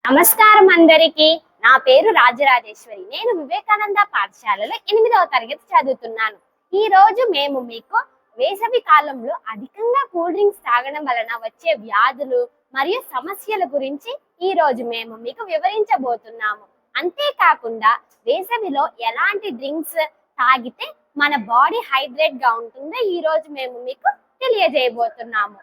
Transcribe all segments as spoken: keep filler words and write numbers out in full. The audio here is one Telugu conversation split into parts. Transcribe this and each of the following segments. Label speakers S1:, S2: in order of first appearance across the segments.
S1: నమస్కారం అందరికి. నా పేరు రాజరాజేశ్వరి. నేను వివేకానంద పాఠశాలలో ఎనిమిదవ తరగతి చదువుతున్నాను. ఈ రోజు మేము మీకు వేసవి కాలంలో అధికంగా కూల్ డ్రింక్స్ తాగడం వలన వచ్చే వ్యాధులు మరియు సమస్యల గురించి ఈ రోజు మేము మీకు వివరించబోతున్నాము. అంతేకాకుండా వేసవిలో ఎలాంటి డ్రింక్స్ తాగితే మన బాడీ హైడ్రేట్ గా ఉంటుందో ఈ రోజు మేము మీకు తెలియజేయబోతున్నాము.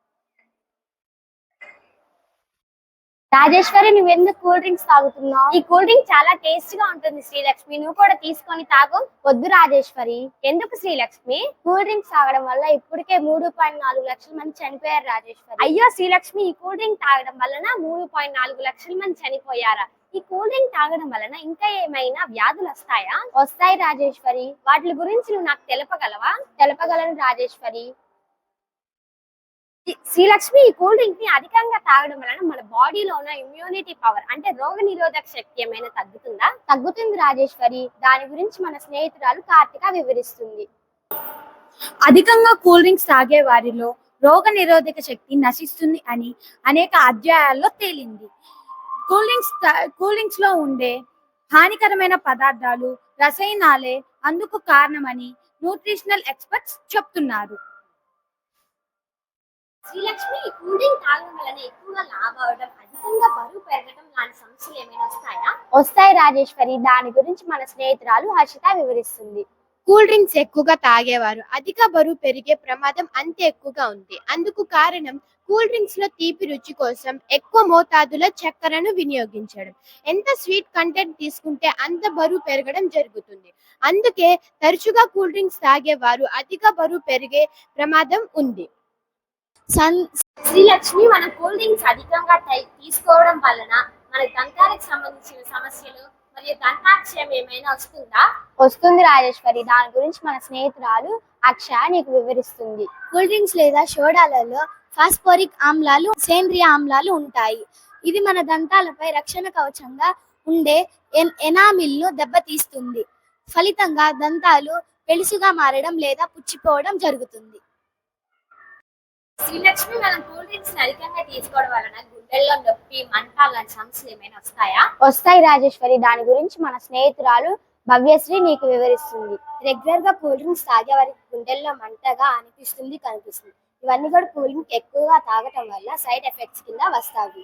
S1: రాజేశ్వరి, నువ్వెందుకు కూల్ డ్రింక్స్ తాగుతున్నావు? ఈ కూల్ డ్రింక్ చాలా టేస్ట్ గా ఉంటుంది శ్రీలక్ష్మి, నువ్వు కూడా తీసుకొని తాగు. వద్దు రాజేశ్వరి. ఎందుకు శ్రీలక్ష్మి? కూల్ డ్రింక్స్ తాగడం వల్ల ఇప్పటికే మూడు పాయింట్ నాలుగు లక్షల మంది చనిపోయారు రాజేశ్వరి. అయ్యో శ్రీలక్ష్మి, ఈ కూల్ డ్రింక్ తాగడం వలన మూడు పాయింట్ నాలుగు లక్షల మంది చనిపోయారా? ఈ కూల్ డ్రింక్ తాగడం వలన ఇంకా ఏమైనా వ్యాధులు వస్తాయా? వస్తాయి రాజేశ్వరి. వాటి గురించి నువ్వు నాకు తెలపగలవా? తెలపగలను రాజేశ్వరి. శ్రీలక్ష్మి, ఈ కూల్ డ్రింక్ ని అధికంగా తాగడం వలన మన బాడీలో ఉన్న ఇమ్యూనిటీ పవర్ అంటే రోగ నిరోధక శక్తి ఏమైనా తగ్గుతుందా? తగ్గుతుంది రాజేశ్వరి. దాని గురించి మన స్నేహితురాలు కార్తిక వివరిస్తుంది.
S2: అధికంగా కూల్ డ్రింక్స్ తాగే వారిలో రోగ నిరోధక శక్తి నశిస్తుంది అని అనేక అధ్యాయాల్లో తేలింది. కూల్ డ్రింక్స్ కూల్ డ్రింక్స్ లో ఉండే హానికరమైన పదార్థాలు, రసాయనాలే అందుకు కారణమని న్యూట్రిషనల్ ఎక్స్పర్ట్స్ చెప్తున్నారు.
S1: శ్రీలక్ష్మి, కూల్ డ్రింక్ తాగడం వలన ఎక్కువగా లావు అవడం, అధికంగా బరువు పెరగడం లాంటి సమస్యలు ఏమైనా వస్తాయా? వస్తాయి రాజేశ్వరి. దాని గురించి మన స్నేహితురాలు హర్షిత వివరిస్తుంది.
S3: కూల్ డ్రింక్స్ ఎక్కువగా తాగేవారు అధిక బరువు పెరిగే ప్రమాదం అంతే ఎక్కువగా ఉంది. అందుకు కారణం కూల్ డ్రింక్స్ లో తీపి రుచి కోసం ఎక్కువ మోతాదులో చక్కెరను వినియోగించడం. ఎంత స్వీట్ కంటెంట్ తీసుకుంటే అంత బరువు పెరగడం జరుగుతుంది. అందుకే తరచుగా కూల్ డ్రింక్స్ తాగేవారు అధిక బరువు పెరిగే ప్రమాదం ఉంది.
S1: శ్రీలక్ష్మి, మన కూల్ డ్రింక్స్ అధికంగా తీసుకోవడం వలన మన దంతాలకు సంబంధించిన సమస్యలు మరియు దంతాక్షయం ఏమైనా వస్తుందా? వస్తుంది రాజేశ్వరి. దాని గురించి మన స్నేహితురాలు అక్ష నీకు వివరిస్తుంది.
S2: కూల్ డ్రింక్స్ లేదా సోడాలలో ఫాస్ఫోరిక్ ఆమ్లాలు, సేంద్రియ ఆమ్లాలు ఉంటాయి. ఇది మన దంతాలపై రక్షణ కవచంగా ఉండే ఎనామిల్ను దెబ్బతీస్తుంది. ఫలితంగా దంతాలు పెళుసుగా మారడం లేదా పుచ్చిపోవడం జరుగుతుంది.
S1: శ్రీలక్ష్మి, మనం కూల్ డ్రింక్స్ అధికంగా తీసుకోవడం వలన గుండెల్లో నొప్పి, మంట లాంటి సమస్యలు ఏమైనా వస్తాయా? వస్తాయి రాజేశ్వరి. దాని గురించి మన స్నేహితురాలు భవ్యశ్రీ నీకు వివరిస్తుంది.
S2: రెగ్యులర్ గా కూల్ డ్రింక్స్ తాగే వారికి గుండెల్లో మంటగా అనిపిస్తుంది, కనిపిస్తుంది. ఇవన్నీ కూడా కూల్ డ్రింక్ ఎక్కువగా తాగటం వల్ల సైడ్ ఎఫెక్ట్స్ కింద వస్తాయి.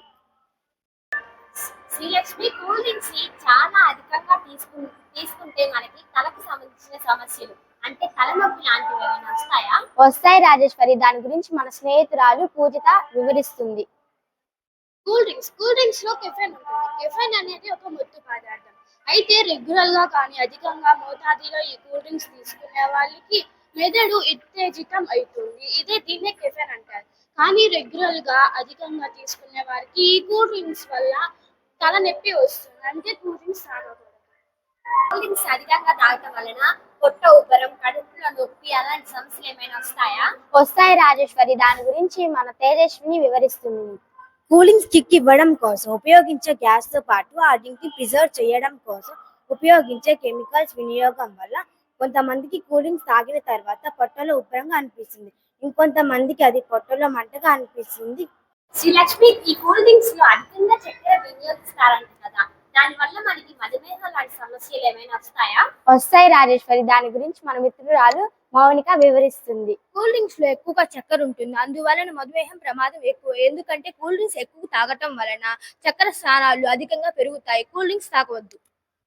S1: శ్రీలక్ష్మి, కూల్ డ్రింక్స్ ని చాలా అధికంగా తీసుకు తీసుకుంటే మనకి తలకు సంబంధించిన సమస్యలు అంటే తలనొప్పి లాంటివి ఏమైనా వస్తాయా? వస్తాయి రాజేశ్వరి. దాని గురించి మన స్నేహితురాలు పూజిత వివరిస్తుంది.
S4: కూల్ డ్రింక్స్ కూల్ డ్రింక్స్ లో కెఫెన్ ఉంటుంది. కెఫెన్ అనేది ఒక మత్తు పదార్థం. అయితే రెగ్యులర్ గా కానీ అధికంగా మోతాదులో ఈ కూల్ డ్రింక్స్ తీసుకునే వాళ్ళకి మెదడు ఉత్తేజితం అవుతుంది. ఇదే దీన్నే కెఫెన్ అంటారు. కానీ రెగ్యులర్ గా అధికంగా తీసుకునే వారికి ఈ కూల్ డ్రింక్స్ వల్ల తలనొప్పి వస్తుంది. అంటే కూల్ డ్రింక్స్ తాగకూడదు.
S1: కూల్ డ్రింక్స్ అధికంగా తాగటం వలన పొట్ట ఉబ్బరం, కడుపులో నొప్పి అలాంటి సమస్యలు ఏమైనా వస్తాయా? వస్తాయి రాజేశ్వరి. దాని గురించి మన తేజస్విని వివరిస్తుంది.
S2: కూలింగ్ కిక్ ఇవ్వడం కోసం ఉపయోగించే గ్యాస్ తో పాటు ఆ డ్రింక్ ని ప్రిజర్వ్ చేయడం కోసం ఉపయోగించే కెమికల్స్ వినియోగం వల్ల కొంతమందికి కూలింగ్స్ తాగిన తర్వాత పొట్టలో ఉబ్బరంగా అనిపిస్తుంది. ఇంకొంతమందికి అది పొట్టలో మంటగా అనిపిస్తుంది.
S1: శ్రీలక్ష్మి, ఈ కూల్ డ్రింక్స్ లో అధికంగా చక్కెర వినియోగిస్తారంట కదా, దాని వల్ల మనకి మధుమేహం లాంటి సమస్యలు ఏమైనా వస్తాయా? వస్తాయి రాజేశ్వరి. దాని గురించి మన మిత్రురాలు మౌనిక వివరిస్తుంది.
S2: కూల్ డ్రింక్స్ లో ఎక్కువగా చక్కెర ఉంటుంది. అందువలన మధుమేహం ప్రమాదం ఎక్కువ. ఎందుకంటే కూల్ డ్రింక్స్ ఎక్కువ తాగటం వలన చక్కెర స్థానాలు అధికంగా పెరుగుతాయి. కూల్ డ్రింక్స్ తాగవద్దు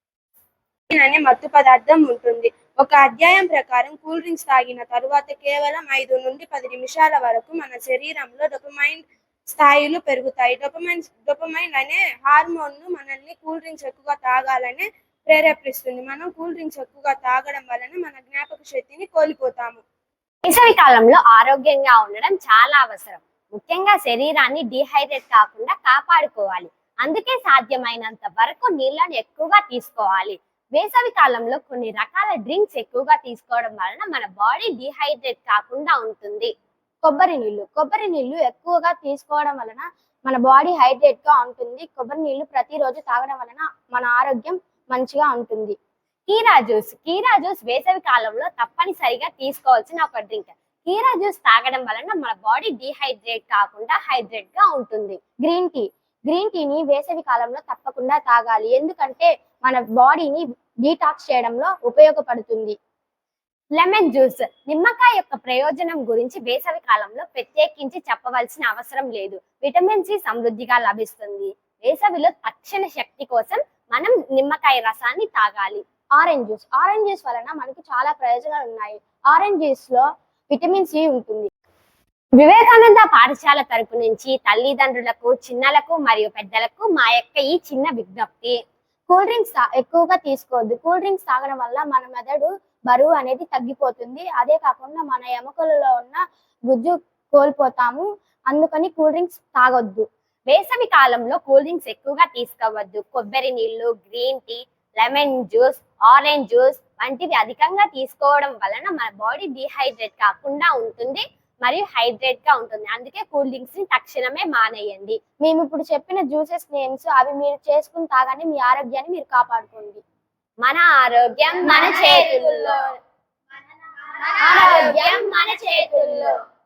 S3: అనే మత్తు పదార్థం ఉంటుంది. ఒక అధ్యాయం ప్రకారం కూల్ డ్రింక్స్ తాగిన తరువాత కేవలం ఐదు నుండి పది నిమిషాల వరకు మన శరీరంలో డోపమైన్ స్థాయిలు పెరుగుతాయి. డోపమైన్ డోపమైన్ అనే హార్మోన్ మనల్ని కూల్ డ్రింక్స్ ఎక్కువగా తాగాలని ప్రేరేపిస్తుంది. మనం కూల్ డ్రింక్స్ ఎక్కువగా తాగడం వలన మన జ్ఞాపక శక్తిని కోల్పోతాము.
S1: వేసవి కాలంలో ఆరోగ్యంగా ఉండడం చాలా అవసరం. ముఖ్యంగా శరీరాన్ని డిహైడ్రేట్ కాకుండా కాపాడుకోవాలి. అందుకే సాధ్యమైనంత వరకు నీళ్లను ఎక్కువగా తీసుకోవాలి. వేసవి కాలంలో కొన్ని రకాల డ్రింక్స్ ఎక్కువగా తీసుకోవడం వలన మన బాడీ డిహైడ్రేట్ కాకుండా ఉంటుంది. కొబ్బరి నీళ్లు కొబ్బరి నీళ్లు ఎక్కువగా తీసుకోవడం వలన మన బాడీ హైడ్రేట్ గా ఉంటుంది. కొబ్బరి నీళ్లు ప్రతిరోజు తాగడం వలన మన ఆరోగ్యం మంచిగా ఉంటుంది. కీరా జ్యూస్ కీరా జ్యూస్ వేసవి కాలంలో తప్పనిసరిగా తీసుకోవాల్సిన ఒక డ్రింక్. కీరా జ్యూస్ తాగడం వలన మన బాడీ డిహైడ్రేట్ కాకుండా హైడ్రేట్ గా ఉంటుంది. గ్రీన్ టీ గ్రీన్ టీని వేసవి కాలంలో తప్పకుండా తాగాలి, ఎందుకంటే మన బాడీని డీటాక్స్ చేయడంలో ఉపయోగపడుతుంది. లెమన్ జ్యూస్, నిమ్మకాయ యొక్క ప్రయోజనం గురించి వేసవి కాలంలో ప్రత్యేకించి చెప్పవలసిన అవసరం లేదు. విటమిన్ సి సమృద్ధిగా లభిస్తుంది. వేసవిలో తక్షణ శక్తి కోసం మనం నిమ్మకాయ రసాన్ని తాగాలి. ఆరెంజ్ జ్యూస్, ఆరెంజ్ జ్యూస్ వలన మనకి చాలా ప్రయోజనాలు ఉన్నాయి. ఆరెంజ్ జ్యూస్ లో విటమిన్ సి ఉంటుంది. వివేకానంద పాఠశాల తరపు నుంచి తల్లిదండ్రులకు, చిన్నలకు మరియు పెద్దలకు మా యొక్క ఈ చిన్న విజ్ఞప్తి, కూల్ డ్రింక్స్ ఎక్కువగా తీసుకోవద్దు. కూల్ డ్రింక్స్ తాగడం వల్ల మన మెదడు బరువు అనేది తగ్గిపోతుంది. అదే కాకుండా మన ఎముకలలో ఉన్న గుజ్జు కోల్పోతాము. అందుకని కూల్ డ్రింక్స్ తాగొద్దు. వేసవి కాలంలో కూల్ డ్రింక్స్ ఎక్కువగా తీసుకోవద్దు. కొబ్బరి నీళ్లు, green tea, lemon juice, orange juice వంటివి అధికంగా తీసుకోవడం వలన మన బాడీ డిహైడ్రేట్ కాకుండా ఉంటుంది మరియు హైడ్రేట్ గా ఉంటుంది. అందుకే కూల్ డ్రింక్స్ ని తక్షణమే మానేయండి. మేము ఇప్పుడు చెప్పిన జ్యూసెస్ నేమ్స్ అవి మీరు చేసుకుని తాగండి. మీ ఆరోగ్యాన్ని మీరు కాపాడుకోండి. మన ఆరోగ్యం మన చేతుల్లో. ఆరోగ్యం మన చేతుల్లో.